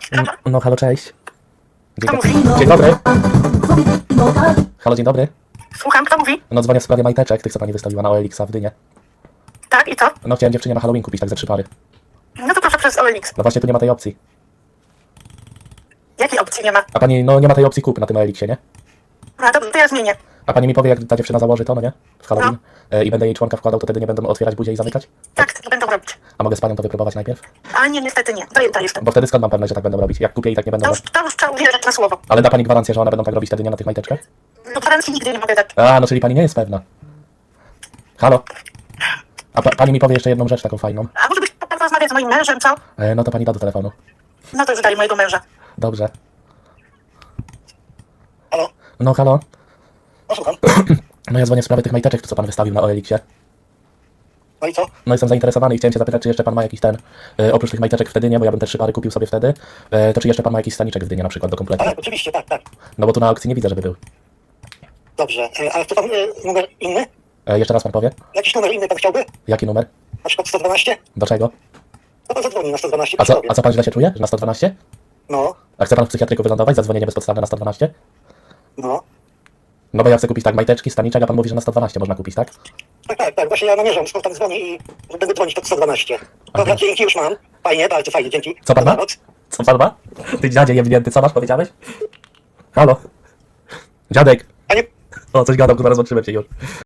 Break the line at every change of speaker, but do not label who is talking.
No halo, cześć.
Kto mówi?
Dzień dobry. Halo, dzień dobry.
Słucham, kto mówi?
No dzwonię w sprawie majteczek, tych co pani wystawiła na OLX-a w Dynie.
Tak, i co?
No chciałem dziewczynie na Halloween kupić tak ze 3 pary.
No to proszę przez OLX.
No właśnie tu nie ma tej opcji.
Jakiej opcji nie ma?
A pani, no nie ma tej opcji kupy na tym OLX-ie, nie?
No to ja zmienię.
A pani mi powie, jak ta dziewczyna założy to, no nie? W Halloween. I będę jej członka wkładał, to wtedy nie będę otwierać buzi i zamykać?
Tak, to będą robić.
A mogę z panią to wypróbować najpierw?
A nie, niestety nie. Zajęta jestem.
Bo wtedy skąd mam pewność, że tak będą robić? Jak kupię i tak nie będą
To
robić.
już trzeba uwierzyć na słowo.
Ale da pani gwarancję, że one będą tak robić wtedy nie na tych majteczkach?
No gwarancji nigdy nie mogę dać.
A, no czyli pani nie jest pewna. Halo? A pani mi powie jeszcze jedną rzecz taką fajną.
A może byś pan rozmawiać z moim mężem, co?
No to pani da do telefonu.
No to już daj mojego męża.
Dobrze.
Halo?
No halo?
No słucham.
No ja dzwonię w sprawie tych majteczek, co pan wystawił na OLX-ie.
No i co?
No jestem zainteresowany i chciałem się zapytać, czy jeszcze pan ma jakiś ten, oprócz tych majteczek w Dynie, bo ja bym te 3 pary kupił sobie wtedy, to czy jeszcze pan ma jakiś staniczek w Dynie na przykład do kompletu?
Ale oczywiście, tak, tak.
No bo tu na aukcji nie widzę, żeby był.
Dobrze. Ale chce pan numer inny?
Jeszcze raz pan powie?
Jakiś numer inny pan chciałby?
Jaki numer?
Na przykład 112?
Do czego?
No pan zadzwoni na 112.
A co pan źle się czuje? Że na 112?
No,
A chce pan w psychiatryku wylądować za dzwonienie bezpodstawne na 112?
no.
No bo ja chcę kupić tak majteczki, staniczek, a pan mówi, że na 112 można kupić, tak?
Tak, tak, tak. Właśnie ja namierzam, skąd pan dzwoni i że będę dzwonić pod 112. Dobra, dzięki, już mam. Fajnie, bardzo fajnie, dzięki.
Co pan ma?
Dobranoc.
Co pan ma? Ty dziadzie jebnięty, co masz, powiedziałeś? Halo? Dziadek!
Panie
O, coś gadał, kurwa, rozłączyłem się już.